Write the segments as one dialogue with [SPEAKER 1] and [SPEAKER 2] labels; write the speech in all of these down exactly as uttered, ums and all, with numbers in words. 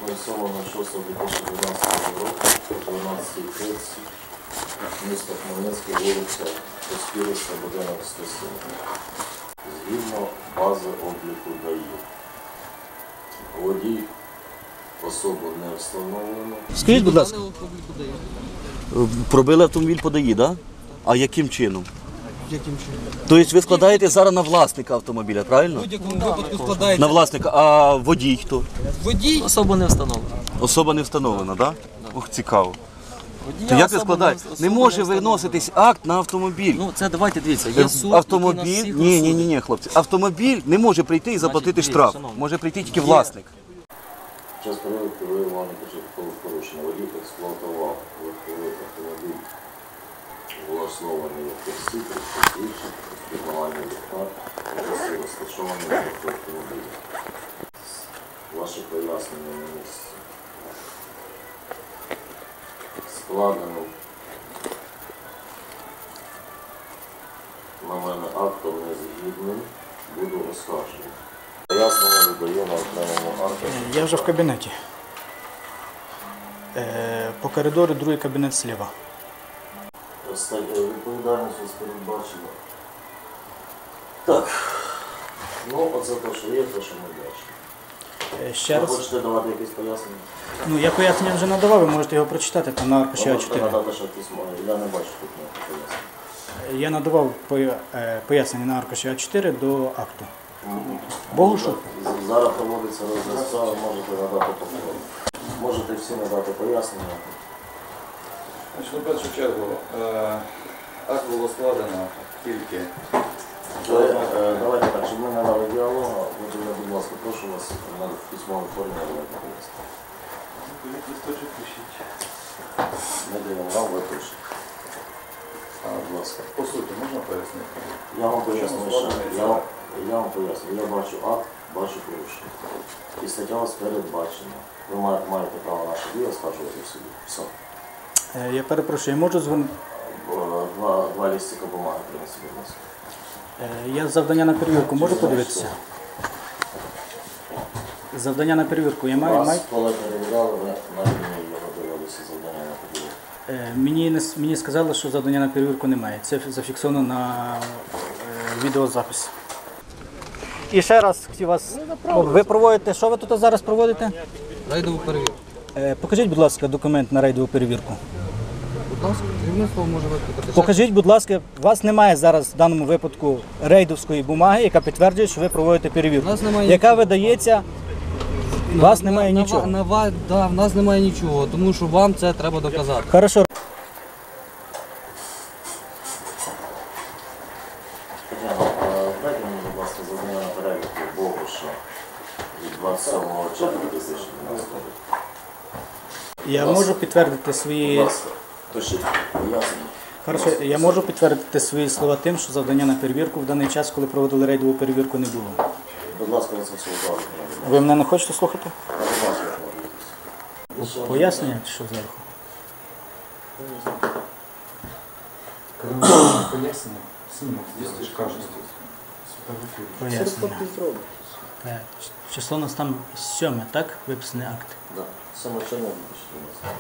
[SPEAKER 1] сьомого шостого дві тисячі дванадцятого року о дванадцятій тридцять місто Хмельницький, вулиця Поспіриця, будинок сто сім. Згідно бази обліку ДАІ. Водій особу не встановлено.
[SPEAKER 2] Скажіть, будь ласка, пробили автомобіль по ДАІ, так? Да? А яким чином?
[SPEAKER 3] Яким чином?
[SPEAKER 2] Тобто ви складаєте зараз на власника автомобіля, правильно?
[SPEAKER 3] В будь-якому випадку складається.
[SPEAKER 2] На власника, а водій хто?
[SPEAKER 3] Водій особа не встановлена.
[SPEAKER 2] Особа не встановлена, так? Да? Ох, цікаво.
[SPEAKER 3] Водія
[SPEAKER 2] То як ви
[SPEAKER 3] особа
[SPEAKER 2] складаєте?
[SPEAKER 3] не-
[SPEAKER 2] Не
[SPEAKER 3] особа
[SPEAKER 2] може
[SPEAKER 3] не встановлена.
[SPEAKER 2] виноситись акт на автомобіль.
[SPEAKER 3] Ну, це давайте дивіться, є суд,
[SPEAKER 2] Автомобіль,
[SPEAKER 3] який нас всіх
[SPEAKER 2] ні, ні, ні,
[SPEAKER 3] розсудить.
[SPEAKER 2] ні, хлопці. Автомобіль не може прийти і заплатити
[SPEAKER 3] дивіться,
[SPEAKER 2] штраф.
[SPEAKER 3] шановні.
[SPEAKER 2] Може прийти тільки
[SPEAKER 3] Є.
[SPEAKER 2] власник.
[SPEAKER 1] Під час перевірки виявлено початкове порушення. Водій експлуатував легковий автомобіль, влаштований як таксі, інших, підмивання ліхтар, місце розташований в автомобілі. Ваші пояснення на місці. Складено на мене актом незгідним, буду оскаржений. Пояснення видаю на окремому акті.
[SPEAKER 4] Я вже в кабінеті. Е, По коридору другий кабінет зліва.
[SPEAKER 1] Відповідальність ось передбачена. Так. Ну, оце те, що є, те, що ми бачимо.
[SPEAKER 4] Е, Ще
[SPEAKER 1] Ви
[SPEAKER 4] раз.
[SPEAKER 1] хочете давати якісь пояснення?
[SPEAKER 4] Ну, я пояснення вже надавав, ви можете його прочитати, там на аркуші
[SPEAKER 1] Ви
[SPEAKER 4] А
[SPEAKER 1] можете
[SPEAKER 4] чотири.
[SPEAKER 1] надати ще письмо. Я не бачу тут ніяких пояснень.
[SPEAKER 4] Я надавав поя- е, пояснення на аркуші А чотири до акту. Богушу?
[SPEAKER 1] З- Зараз проводиться розгляд справи, можете надати повторно. Можете всі надати пояснення.
[SPEAKER 5] Значить, в першу чергу, е, акт було складено тільки.
[SPEAKER 1] Ви, е, Давайте так, щоб ми не дали діалогу, Володимир, будь ласка, прошу вас на письмовій формі надати пояснення.
[SPEAKER 5] Листочок пишіть.
[SPEAKER 1] Ми даємо вам, ви пишете. А, Будь ласка.
[SPEAKER 5] По суті, можна пояснити?
[SPEAKER 1] Я вам поясню,
[SPEAKER 5] Чому
[SPEAKER 1] що
[SPEAKER 5] складений
[SPEAKER 1] я,
[SPEAKER 5] акт?
[SPEAKER 1] я вам поясню. Я бачу акт, бачу порушення. І стаття у вас передбачена. Ви ма- маєте право наші дії оскаржувати в суді. Все.
[SPEAKER 4] Е, Я перепрошую, я можу дзвонити?
[SPEAKER 1] Бо Два, два лістика бумаги принесли, будь ласка.
[SPEAKER 4] Е, Я завдання на перевірку можу подивитися? Завдання на перевірку я маю?
[SPEAKER 1] Вас,
[SPEAKER 4] маю?
[SPEAKER 1] коли перевіряли, ви на лінії його дивилися завдання на перевірку.
[SPEAKER 4] Е, Мені, не с- мені сказали, що завдання на перевірку немає. Це зафіксовано на е, відеозапис. І ще раз хотів вас. Ви проводите, що ви тут зараз проводите?
[SPEAKER 3] Рейдову перевірку.
[SPEAKER 4] Е, Покажіть, будь ласка, документ на рейдову перевірку.
[SPEAKER 3] Будь ласка, керівництво може викликати.
[SPEAKER 4] Покажіть, будь ласка, у вас немає зараз в даному випадку рейдовської бумаги, яка підтверджує, що ви проводите перевірку.
[SPEAKER 3] У нас немає
[SPEAKER 4] Яка
[SPEAKER 3] нічого.
[SPEAKER 4] видається, у вас немає
[SPEAKER 3] на,
[SPEAKER 4] нічого.
[SPEAKER 3] На, на, да, в нас немає нічого, тому що вам це треба доказати.
[SPEAKER 4] Хорошо.
[SPEAKER 1] Тетяна, а дайте мені, будь ласка, завдання на перевірку Богуша від двадцять сьомого червня дві тисячі дванадцятого року.
[SPEAKER 4] Я можу підтвердити
[SPEAKER 1] Будь
[SPEAKER 4] свої.
[SPEAKER 1] ласка, пишіть пояснення.
[SPEAKER 4] Хорошо, я можу підтвердити свої слова тим, що завдання на перевірку в даний час, коли проводили рейдову перевірку, не було.
[SPEAKER 1] Будь ласка, ви це все укладете.
[SPEAKER 4] Ви мене не хочете слухати?
[SPEAKER 1] Будь ласка, укладуйтесь.
[SPEAKER 4] Пояснення чи що зверху?
[SPEAKER 5] Пояснення? Якщо кажуть.
[SPEAKER 4] Пояснення. Так. Число у нас там сьоме, так? Виписаний акт.
[SPEAKER 1] Да, саме червня дві тисячі дванадцятого.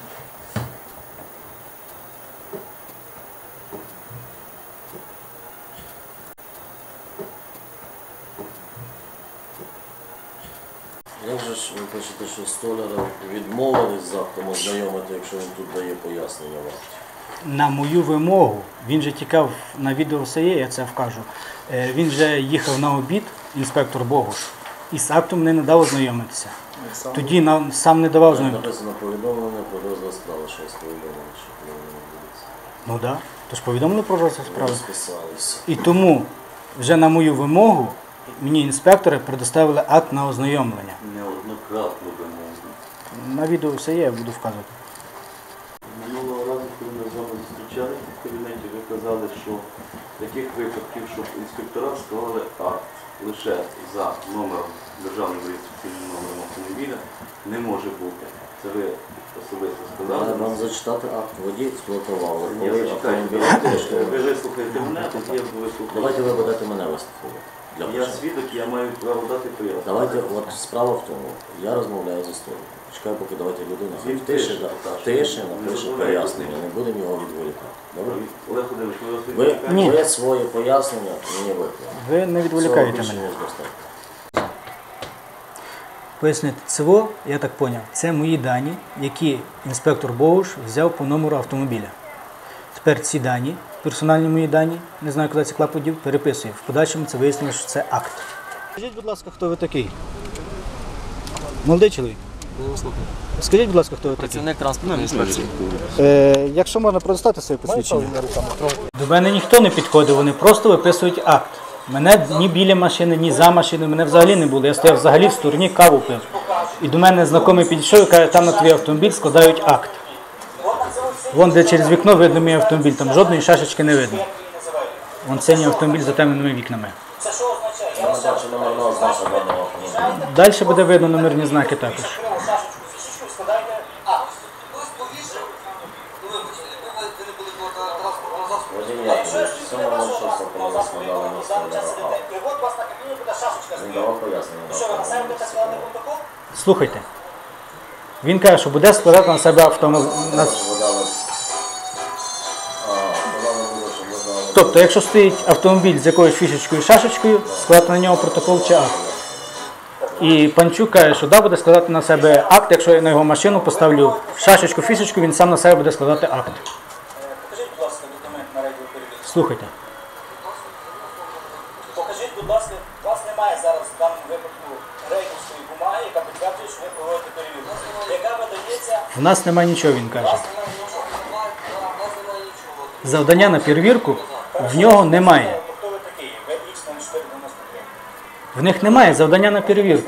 [SPEAKER 1] Як же ж ви пишете, що столяра відмовились з актом ознайомити, якщо він тут дає пояснення вам?
[SPEAKER 4] На мою вимогу, він же тікав на відео все є, я це вкажу. Е, Він вже їхав на обід, інспектор Богуш, і з актом не надав ознайомитися. Тоді нам сам не давав
[SPEAKER 1] Там
[SPEAKER 4] ознайомитися.
[SPEAKER 1] написано повідомлення про розгляд справи, що вас повідомили, що повинні відбудеться.
[SPEAKER 4] Ну так. Да. Тож повідомили про розгляд
[SPEAKER 1] Ви
[SPEAKER 4] справи.
[SPEAKER 1] розписалися.
[SPEAKER 4] І тому вже на мою вимогу мені інспектори предоставили акт на ознайомлення.
[SPEAKER 5] Неоднократно вимогли.
[SPEAKER 4] На відео все є, я буду вказувати.
[SPEAKER 6] Минулого разу, коли ми з вами зустрічалися в кабінеті, ви казали, що таких випадків, щоб інспектора склали акт лише за номером, державним реєстраційним номером автомобіля, не може бути. Це ви особисто сказали.
[SPEAKER 1] Треба вам зачитати акт. Водій експлуатував.
[SPEAKER 6] Я
[SPEAKER 1] Коли
[SPEAKER 6] зачитаю.
[SPEAKER 1] автомобіль
[SPEAKER 6] Давайте,
[SPEAKER 1] коштує.
[SPEAKER 6] ви вислухаєте мене, а я вислухаю.
[SPEAKER 1] Давайте ви будете мене вислухати. Для
[SPEAKER 6] Я
[SPEAKER 1] початку.
[SPEAKER 6] свідок, я маю право дати пояснення.
[SPEAKER 1] Давайте, от справа в тому, я розмовляю з історією. Чекаю, поки давайте людина
[SPEAKER 6] Він
[SPEAKER 1] в тиші,
[SPEAKER 6] пише,
[SPEAKER 1] да,
[SPEAKER 6] так,
[SPEAKER 1] в тиші
[SPEAKER 6] що
[SPEAKER 1] напише
[SPEAKER 6] ви
[SPEAKER 1] пояснення, не будемо його відволікати. Добре?
[SPEAKER 6] Олег Володимирович, ви
[SPEAKER 1] Ви,
[SPEAKER 6] розповідаєте?
[SPEAKER 4] Ні.
[SPEAKER 1] ви своє пояснення мені викликали.
[SPEAKER 4] Ви не відволікаєте
[SPEAKER 1] Цього більше,
[SPEAKER 4] мене.
[SPEAKER 1] ніж достатньо.
[SPEAKER 4] Пояснити, ЦВО, я так зрозумів, це мої дані, які інспектор Богуш взяв по номеру автомобіля. Тепер ці дані, персональні мої дані, не знаю, куди це клаподів, переписую. В подальшому це вияснило, що це акт. Скажіть, будь ласка, хто ви такий? Молодий чоловік. Скажіть, будь ласка, хто ви такий?
[SPEAKER 3] Працівник транспортної інспекції.
[SPEAKER 4] Е, якщо можна предоставити своє посвідчення. До мене ніхто не підходив, вони просто виписують акт. Мене ні біля машини, ні за машиною, мене взагалі не було. Я стояв взагалі в стороні, каву пив. І до мене знайомий підійшов і каже, там на твій автомобіль складають акт. Вон де через вікно видно мій автомобіль, там жодної шашечки не видно. Вон синій автомобіль за темними вікнами.
[SPEAKER 1] Я не бачу номерного знаку даного автомобіля.
[SPEAKER 4] Далі буде видно номерні знаки також.
[SPEAKER 1] Вадим Яковлевич, сьомого шостого коли ви складали місце ВРА. Він давав пояснення на автомобілі.
[SPEAKER 4] Слухайте. Він каже, що буде складати на себе автомобіль.
[SPEAKER 1] Ви дали... А, подали було, що ви дали...
[SPEAKER 4] Тобто, якщо стоїть автомобіль з якоюсь фішечкою і шашечкою, складати на нього протокол чи акт. І Панчук каже, що да, буде складати на себе акт, якщо я на його машину поставлю шашечку, фішечку, він сам на себе буде складати акт.
[SPEAKER 7] Покажіть, будь ласка, документ на радіоперевірку.
[SPEAKER 4] Слухайте.
[SPEAKER 7] Покажіть, будь ласка, у вас немає зараз в даному випадку рейдерської бумаги, яка підтверджує, що ви проводите перевірку. Яка видається,
[SPEAKER 4] В нас немає нічого, він каже. Завдання на перевірку в нього немає.
[SPEAKER 7] то хто ви такий? Ви ікс нуль чотири дев'яносто три.
[SPEAKER 4] В них немає завдання на перевірку.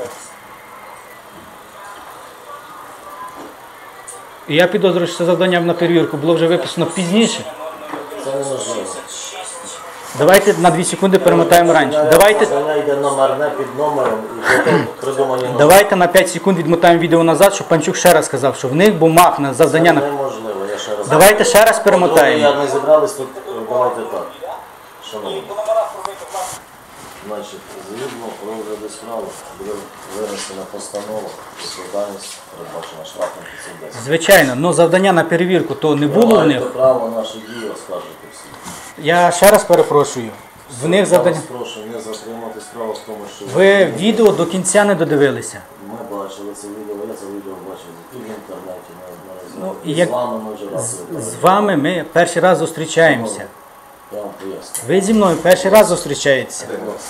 [SPEAKER 4] І я підозрюю, що це завдання на перевірку було вже виписано пізніше.
[SPEAKER 1] Це неможливо.
[SPEAKER 4] Давайте на дві секунди перемотаємо раніше. Давайте,
[SPEAKER 1] Вона йде номерне під номером і потім придумані номери.
[SPEAKER 4] давайте на п'ять секунд відмотаємо відео назад, щоб Панчук ще раз сказав, що в них бумаг на завдання
[SPEAKER 1] Це
[SPEAKER 4] на...
[SPEAKER 1] неможливо, я ще раз...
[SPEAKER 4] Давайте ще раз
[SPEAKER 1] По-друге,
[SPEAKER 4] перемотаємо.
[SPEAKER 1] як ми зібрались, тут давайте так. Шановні,
[SPEAKER 7] По номерах пробити клас.
[SPEAKER 1] значить, згідно розгляду справи буде винесена постанова, відповідальність передбачена штрафом п'ятсот десять.
[SPEAKER 4] Звичайно, але завдання на перевірку то не було в
[SPEAKER 1] Маєте
[SPEAKER 4] них.
[SPEAKER 1] право наші дії оскаржити всі.
[SPEAKER 4] Я ще раз перепрошую. В них
[SPEAKER 1] Я
[SPEAKER 4] завдання...
[SPEAKER 1] вас прошу не затримати справу в тому, що...
[SPEAKER 4] Ви відео до кінця не додивилися.
[SPEAKER 1] Ми бачили це відео, я це відео бачив і в інтернеті неодноразово.
[SPEAKER 4] Ну, і
[SPEAKER 1] І
[SPEAKER 4] як-
[SPEAKER 1] з вами ми вже раз
[SPEAKER 4] З вами ми перший раз зустрічаємося.
[SPEAKER 1] Я вам поясню.
[SPEAKER 4] Ви зі мною перший раз зустрічаєтеся.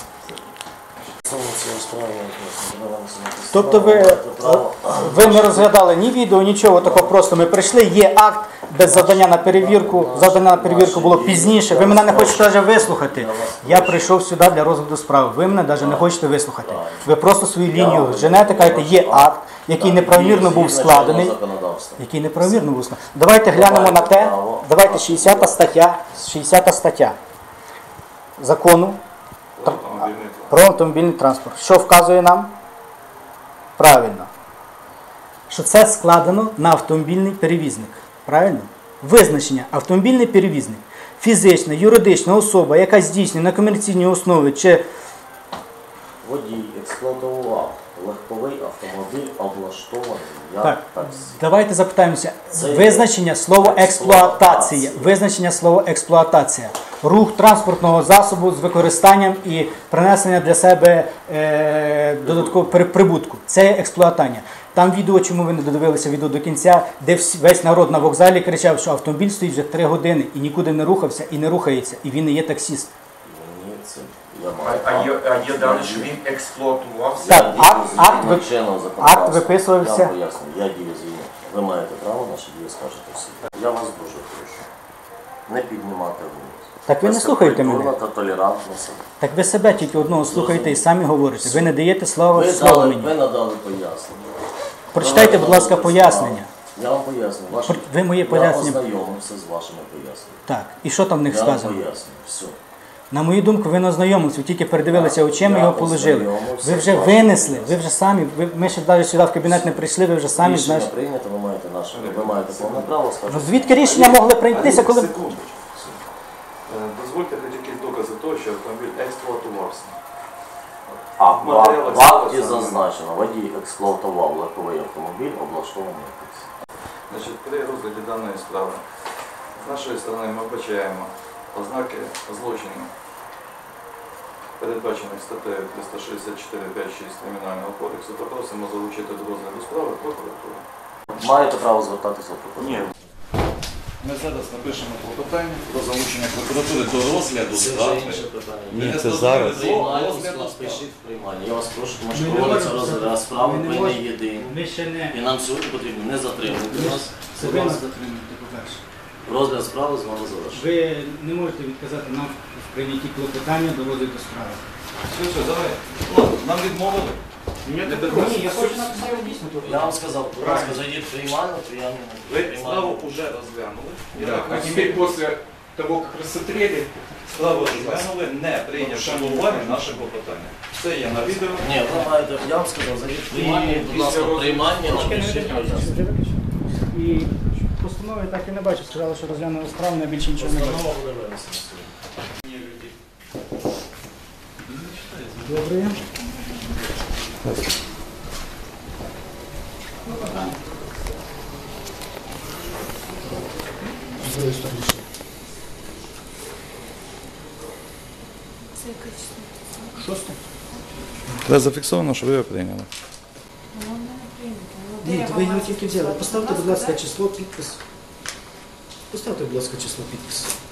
[SPEAKER 1] Саме цієї справи, ми вам це
[SPEAKER 4] Тобто ви,
[SPEAKER 1] маєте право.
[SPEAKER 4] ви не розглядали ні відео, нічого такого, просто ми прийшли, є акт без завдання на перевірку. Завдання на перевірку було пізніше. Ви мене не хочете навіть вислухати. Я прийшов сюди для розгляду справи. Ви мене навіть не хочете вислухати. Ви просто свою лінію женете, кажете, є акт, який неправомірно був складений.
[SPEAKER 1] Законодавство.
[SPEAKER 4] Який неправомірно був складений. Давайте глянемо на те. Давайте шістдесята стаття, шістдесята стаття закону про автомобільний транспорт. Що вказує нам? Правильно. Що це складено на автомобільний перевізник. Правильно? Визначення автомобільний перевізник. Фізична, юридична особа, яка здійснює на комерційній основі чи
[SPEAKER 1] Водій експлуатував легковий автомобіль, облаштований як
[SPEAKER 4] так,
[SPEAKER 1] таксі.
[SPEAKER 4] давайте запитаємося.
[SPEAKER 1] Це є
[SPEAKER 4] Визначення слова експлуатація.
[SPEAKER 1] експлуатація.
[SPEAKER 4] Визначення слова експлуатація. Рух транспортного засобу з використанням і принесення для себе е, додаткового при- прибутку. Це є експлуатання. Там відео, чому ви не додивилися відео до кінця, де всі- весь народ на вокзалі кричав, що автомобіль стоїть вже три години і нікуди не рухався і не рухається, і він не є таксіст.
[SPEAKER 1] Ні, це я
[SPEAKER 8] А,
[SPEAKER 1] маю
[SPEAKER 8] а,
[SPEAKER 1] право.
[SPEAKER 8] є, а є дані, що він експлуатувався?
[SPEAKER 4] Так,
[SPEAKER 1] Я дію
[SPEAKER 4] акт-
[SPEAKER 1] згідно
[SPEAKER 4] акт ви-
[SPEAKER 1] чинного законодавства.
[SPEAKER 4] акт виписувався.
[SPEAKER 1] Я вам поясню, я дію згідно. Ви маєте право наші дії скажете всі. Я вас дуже прошу. Не піднімати голос.
[SPEAKER 4] Так ви не слухаєте мене.
[SPEAKER 1] Культурно та толерантно себе.
[SPEAKER 4] Так ви себе тільки одного слухаєте і самі говорите. Ви не даєте слова
[SPEAKER 1] Ви,
[SPEAKER 4] слово
[SPEAKER 1] дали,
[SPEAKER 4] мені.
[SPEAKER 1] ви надали пояснення.
[SPEAKER 4] Прочитайте, будь ласка, пояснення.
[SPEAKER 1] Я вам поясню. Ваші...
[SPEAKER 4] Ви моє пояснення-
[SPEAKER 1] Я ознайомився з вашими поясненнями.
[SPEAKER 4] Так, і що там в них
[SPEAKER 1] Я вам
[SPEAKER 4] сказано?
[SPEAKER 1] поясню. Все.
[SPEAKER 4] На мою думку, ви не ознайомилися, ви тільки передивилися очима і
[SPEAKER 1] Я
[SPEAKER 4] його положили.
[SPEAKER 1] ознайомився
[SPEAKER 4] Ви вже
[SPEAKER 1] з вашим
[SPEAKER 4] винесли, ви вже самі, ви, ми ще навіть сюди в кабінет не прийшли, ви вже самі
[SPEAKER 1] Рішення
[SPEAKER 4] знаєте.
[SPEAKER 1] прийнято, ви маєте наше, ви маєте повне право
[SPEAKER 4] Ну,
[SPEAKER 1] скажете.
[SPEAKER 4] звідки рішення могли прийнятися, коли...
[SPEAKER 5] Секундочку. Е, Дозвольте хоч якісь докази того, що автомобіль експлуатувався.
[SPEAKER 1] А в
[SPEAKER 5] Матеріали
[SPEAKER 1] в акті
[SPEAKER 5] саме.
[SPEAKER 1] зазначено, водій експлуатував легковий автомобіль, облаштований якось.
[SPEAKER 5] Значить, при розгляді даної справи з нашої сторони ми вбачаємо ознаки злочину, передбачених статтею триста шістдесят чотири п'ять шість Кримінального кодексу, то просимо залучити до розгляду справи прокуратуру.
[SPEAKER 1] Маєте право звертатися в прокуратуру?
[SPEAKER 2] Ні.
[SPEAKER 5] Ми зараз напишемо клопотання про залучення прокуратури до розгляду
[SPEAKER 1] Це
[SPEAKER 5] справи.
[SPEAKER 1] вже інше питання.
[SPEAKER 2] Ні, це зараз.
[SPEAKER 1] Приймальну
[SPEAKER 5] Розгляду
[SPEAKER 1] склад,
[SPEAKER 5] справи.
[SPEAKER 1] пишіть в приймальні. Я вас прошу, тому
[SPEAKER 4] Ми
[SPEAKER 1] що
[SPEAKER 4] не
[SPEAKER 1] проводиться
[SPEAKER 4] можемо
[SPEAKER 1] розгляд
[SPEAKER 4] зараз-
[SPEAKER 1] справи,
[SPEAKER 4] ми не
[SPEAKER 1] ви не
[SPEAKER 4] можемо.
[SPEAKER 1] єдині.
[SPEAKER 4] Ми ще не
[SPEAKER 1] І нам сьогодні потрібно не затримувати нас.
[SPEAKER 4] це
[SPEAKER 1] Будь
[SPEAKER 4] ви нас
[SPEAKER 1] ласка,
[SPEAKER 4] затримуєте, по-перше.
[SPEAKER 1] розгляд справи з вами завершено.
[SPEAKER 4] Ви не можете відказати нам в прийнятті клопотання до розгляду справи.
[SPEAKER 5] Все, все, давай. Ладно, нам відмовили.
[SPEAKER 4] Ні, я хочу написати дійсно
[SPEAKER 1] Я вам сказав, будь ласка, зайдіть в приймальну, приймальну.
[SPEAKER 5] Ви справу вже розглянули.
[SPEAKER 8] Да. А теперь после того, как рассмотрели,
[SPEAKER 5] Справу розглянули, не прийнявши до уваги наше клопотання. Це є на відео.
[SPEAKER 1] Ні, ви маєте, я вам сказав, зайдіть в приймальну, будь ласка, в приймальні, напишіть пояснення.
[SPEAKER 4] І постанови так і не бачу. Сказали, що розглянули справу, не більше нічого не бачу.
[SPEAKER 1] Постанова буде винесена сьогодні.
[SPEAKER 4] Добре. Шосте?
[SPEAKER 5] Це зафіксовано, що ви його прийняли.
[SPEAKER 4] Ні, ви його тільки взяли. Поставте, будь ласка, число, підпис. Поставте, будь ласка, число, підпис.